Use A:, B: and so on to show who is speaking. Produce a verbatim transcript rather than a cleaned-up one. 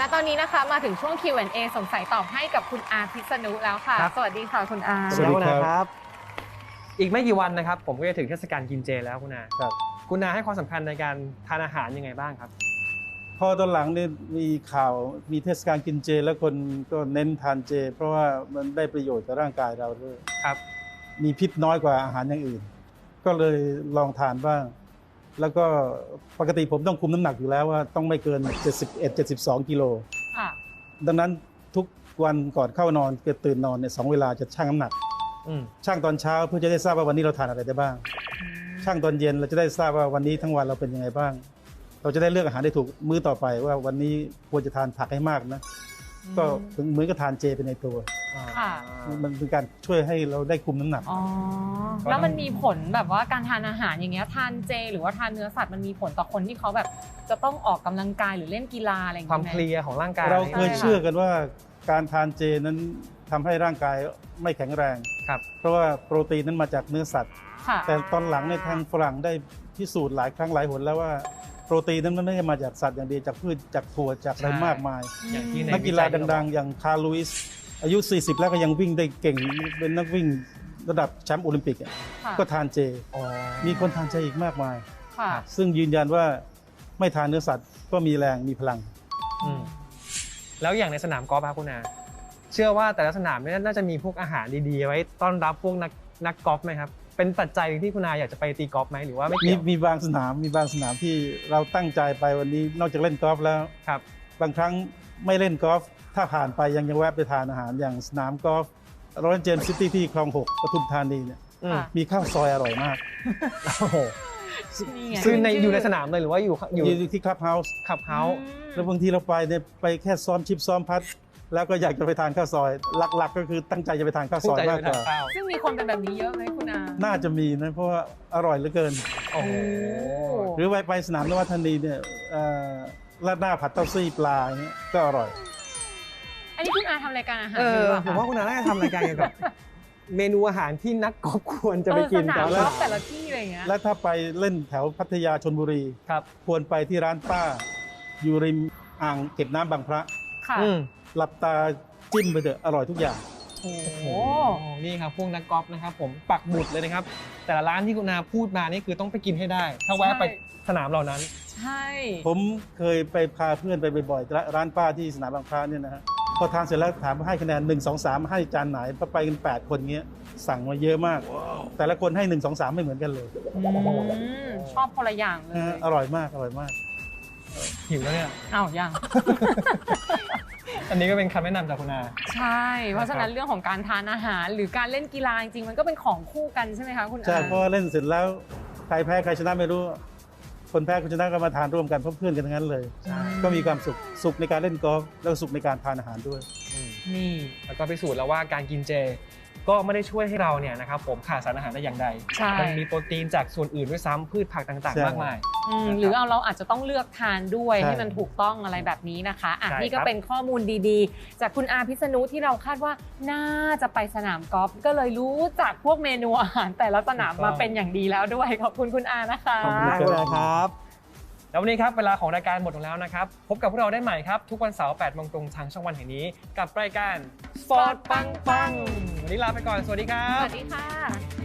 A: และตอนนี้นะคะมาถึงช่วง คิว แอนด์ เอ สงสัยตอบให้กับคุณอาพิษณุแล้วค่ะสวัสดีค่ะคุณอา
B: สวัสดีครับอีกไม่กี่วันนะครับผมก็จะถึงเทศกาลกินเจแล้วคุณอาครับคุณอาให้ความสำคัญในการทานอาหารยังไงบ้างครับ
C: พอตอนหลังเนี่ยมีข่าวมีเทศกาลกินเจแล้วคนก็เน้นทานเจเพราะว่ามันได้ประโยชน์กับร่างกายเราด้วย
B: ครับ
C: มีพิษน้อยกว่าอาหารอย่างอื่นก็เลยลองทานบ้างแล้วก็ปกติผมต้องคุมน้ำหนักอยู่แล้วว่าต้องไม่เกินเจ็ดสิบเอ็ด เจ็ดสิบสองกิโลค่ะดังนั้นทุกวันก่อนเข้านอนเกิดตื่นนอนเนี่ยสองเวลาจะชั่งน้ำหนักช่างตอนเช้าเพื่อจะได้ทราบว่าวันนี้เราทานอะไรได้บ้างช่างตอนเย็นเราจะได้ทราบว่าวันนี้ทั้งวันเราเป็นยังไงบ้างเราจะได้เลือกอาหารได้ถูกมื้อต่อไปว่าวันนี้ควรจะทานผักให้มากนะก็เหมือนกับทานเจเป็นในตัวมันเป็นการช่วยให้เราได้คุมน้ำหนัก
A: อ๋อแล้วมันมีผลแบบว่าการทานอาหารอย่างเงี้ยทานเจหรือว่าทานเนื้อสัตว์มันมีผลต่อคนที่เขาแบบจะต้องออกกำลังกายหรือเล่นกีฬาอะไรอย่าง
B: เงี้ยความเพลียของร่างกาย
C: เราเคยเชื่อกันว่าการทานเจนั้นทำให้ร่างกายไม่แข็งแรง
B: ครับ
C: เพราะว่าโปรตีนนั้นมาจากเนื้อสัตว์แต่ตอนหลังในทางฝรั่งได้พิสูจน์หลายครั้งหลายหนแล้วว่าโปรตีนนั้นมันไม่ได้มาจากสัตว์อย่างเดียวจากพืชจากถั่วจากอะไรมากมายนักกีฬาดังๆอย่างคาร์ลลุยส์อายุสี่สิบแล้วก็ยังวิ่งได้เก่งเป็นนักวิ่งระดับแชมป์โอลิมปิกก็ทานเจมีคนทานเจอีกมากมายซึ่งยืนยันว่าไม่ทานเนื้อสัตว์ก็มีแรงมีพลัง
B: แล้วอย่างในสนามกอล์ฟครับคุณอาเชื่อว่าแต่ละสนามน่าจะมีพวกอาหารดีๆไว้ต้อนรับพวกนักนักกอล์ฟไหมครับเป็นปัจจัยที่คุณอาอยากจะไปตีกอล์ฟไหมหรือว่าไม่เกี่ยว
C: มีบางสนามมีบางสนามที่เราตั้งใจไปวันนี้นอกจากเล่นกอล์ฟแล้ว
B: ครับ
C: บางครั้งไม่เล่นกอล์ฟถ้าผ่านไปยังยังแวะไปทานอาหารอย่างสนามกอล์ฟโรยัลเจมส์ซิตี้ที่คลองหกปทุมธานีเนี่ยมีข้าวซอยอร่อยมาก
B: โอ้โหซึ่งในอยู่ในสนามเลยหรือว่าอยู่
C: อยู่ที่คลับเฮาส์
B: คลับเฮาส์
C: แล้วบางทีเราไปเนี่ยไปแค่ซ้อมชิปซ้อมพัดแล้วก็อยากจะไปทานข้าวซอยหลักๆก็คือตั้งใจจะไปทานข้าวซอยมากกว่า
A: ซึ่งมีคนเป็นแบบนี้เยอะไหมคุณอา
C: น่าจะมีนะเพราะว่าอร่อยเหลือเกิน
B: โอ้โห
C: หรือไปไปสนามนวัฒนีเนี่ยราดหน้าผัดเต้าซี่ปลาเนี่ยก็อร่อย
A: อันนี้คุณอาทำรายการอาหาร
B: อยู่หรือเปล่าผมว่าคุณอาน่าจะทำรายการเกี่ยวกับเมนูอาหารที่นักกอล์ฟควรจะไปกิน
A: แต่ละแต่ละที่อะไรเงี้ย
C: และถ้าไปเล่นแถวพัทยาชลบุรี
B: ครับ
C: ควรไปที่ร้านป้าอยู่ริมอ่างเก็บน้ำบางพระ
A: ค่ะ
C: หลับตาจิ้มไปเถอะอร่อยทุกอย่าง
A: โอ้โห
B: นี่ครับพวกนักกอล์ฟนะครับผมปักหมุดเลยนะครับแต่ละร้านที่คุณอาพูดมานี่คือต้องไปกินให้ได้ถ้าแวะไปสนามเหล่านั้น
A: ใช่
C: ผมเคยไปพาเพื่อนไปบ่อยๆร้านป้าที่สนามบางพระเนี่ยนะฮะพอทานเสร็จแล้วถามให้คะแนนหนึ่ง สอง สามให้จานไหนพอไปกันแปดคนเงี้ยสั่งมาเยอะมากแต่ละคนให้หนึ่ง สอง สามไม่เหมือนกันเลย
A: ชอบคนละอย่างเลย
C: อร่อยมากอร่อยมาก
B: หิวแล้วเนี่ย
A: อ้าวยัง
B: อันนี้ก็เป็นคำแนะนำจากคุณอา
A: ใช่เพราะฉะนั้นเรื่องของการทานอาหารหรือการเล่นกีฬาจริงๆมันก็เป็นของคู่กันใช่ไหมคะคุณอา
C: ใช่เพราะเล่นเสร็จแล้วใครแพ้ใครชนะไม่รู้คนแพ้คนชนะก็มาทานร่วมกันเพื่อนกันทั้งนั้นเลยก็มีความสุขสุขในการเล่นกอล์ฟแล้วสุขในการทานอาหารด้วย
B: นี่แล้วก็พิสูจน์แล้วว่าการกินเจก็ไม่ได้ช่วยให้เราเนี่ยนะครับผมขาดสารอาหารได้อย่างใดมันมีโปรตีนจากส่วนอื่นด้วยซ้ำพืชผักต่างๆมากมาย
A: หรือเอาเราอาจจะต้องเลือกทานด้วยให้มันถูกต้องอะไรแบบนี้นะคะอ่ะนี่ก็เป็นข้อมูลดีๆจากคุณอาพิษณุที่เราคาดว่าน่าจะไปสนามกอล์ฟก็เลยรู้จักพวกเมนูอาหารแต่ละสนามมาเป็นอย่างดีแล้วด้วยขอบคุณคุณอานะคะ
B: ขอบคุณครับแล้ววันนี้ครับเวลาของรายการหมดลงแล้วนะครับพบกับพวกเราได้ใหม่ครับทุกวันเสาร์แปดโมงตรงทางช่องวันแห่งนี้กับรายการสปอร์ตปังปังวันนี้ลาไปก่อนสวัสดีครับ
A: สวัสดีค่ะ